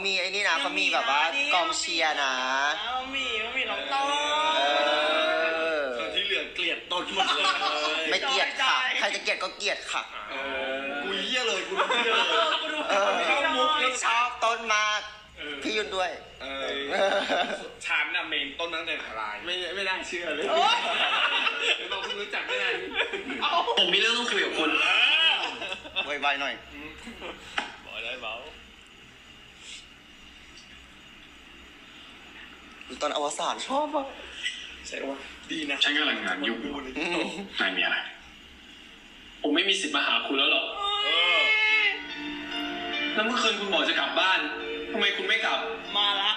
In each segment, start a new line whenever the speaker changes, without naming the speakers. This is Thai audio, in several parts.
มีไอ้นี่นะเขามีแบบว่ากองเชียร์นะ
มีน้องต้น
ส่วนที่เหลือเกลียดต้นหมดเลย
ไม่เกลียดค่ะใครจะเกลียดก็เกลียดค่ะ
กูเยี่ยเลยกูดูเยี่ยเลย
เข้ามุกชอบต้นมากพี่ยุ่นด้วย
ฉันน่ะเมนต้นตั้งแต่ทลายไม่ได้เชื่อเลยเราเพิ่งรู้จักไม่ได้
ผมมีเรื่องต้องคุยกับคุณ
ไวๆหน่อย
บอกได้เบา
ตอนอวสานชอบอ่ะ
ใช่ว่าดีนะ
ฉันกำลังงานยุ่งนายมีอะไรผมไม่มีสิทธิ์มาหาคุณแล้วหรอกแล้วเมื่อคืนคุณบอกจะกลับบ้านทำไมคุณไม่กลับ
มาละ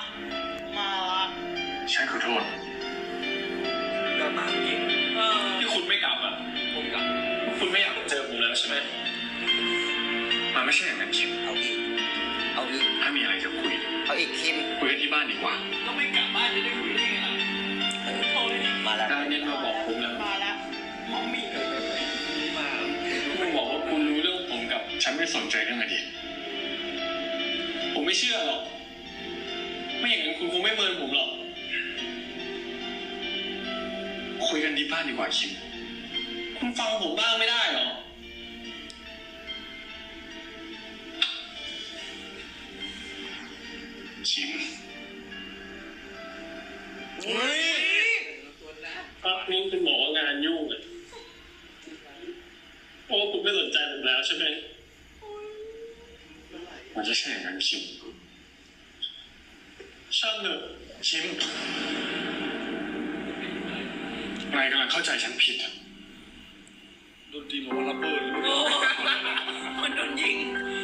ฉันขอโทษ
ก็มาเก่ง
ที่คุณไม่กลับอ่ะผมกลับคุณไม่อยากเจอผมแล้วใช่ไหมมันไม่ใช่อย่างนั้นคิม
เอาอีก
ถ้ามีอะไรจะคุย
เอาอีกคิม
คุยกันที่บ้านดีกว่า
ก็ไม่กลับบ้านจะได้คุยได้ไงล่ะโทรเลย
มาแล้ว
ได้เนี่ยมาบอกผมแล้ว
มาแล้วมอมมี่
มา
คุณบอกว่าคุณรู้เรื่องผมกับฉันไม่สนใจเรื่องอดีตผมไม่เชื่อหรอกไม่อย่างนั้นคุณคงไม่เมินผมหรอกคุยกันที่บ้านดีกว่าคิมคุณฟังผมบ้างไม่ได้หรอคิมนี่คุณบอกว่างานยุ่งอ่ะโอ้คุณไม่สนใจผมแล้วใช่ไหมมันจะใช่อย่างนั้นคิมช่างเถอะคิมนายกำลังเข้าใจฉันผิด
โดนตีหมอระเบิด
มันโดนยิง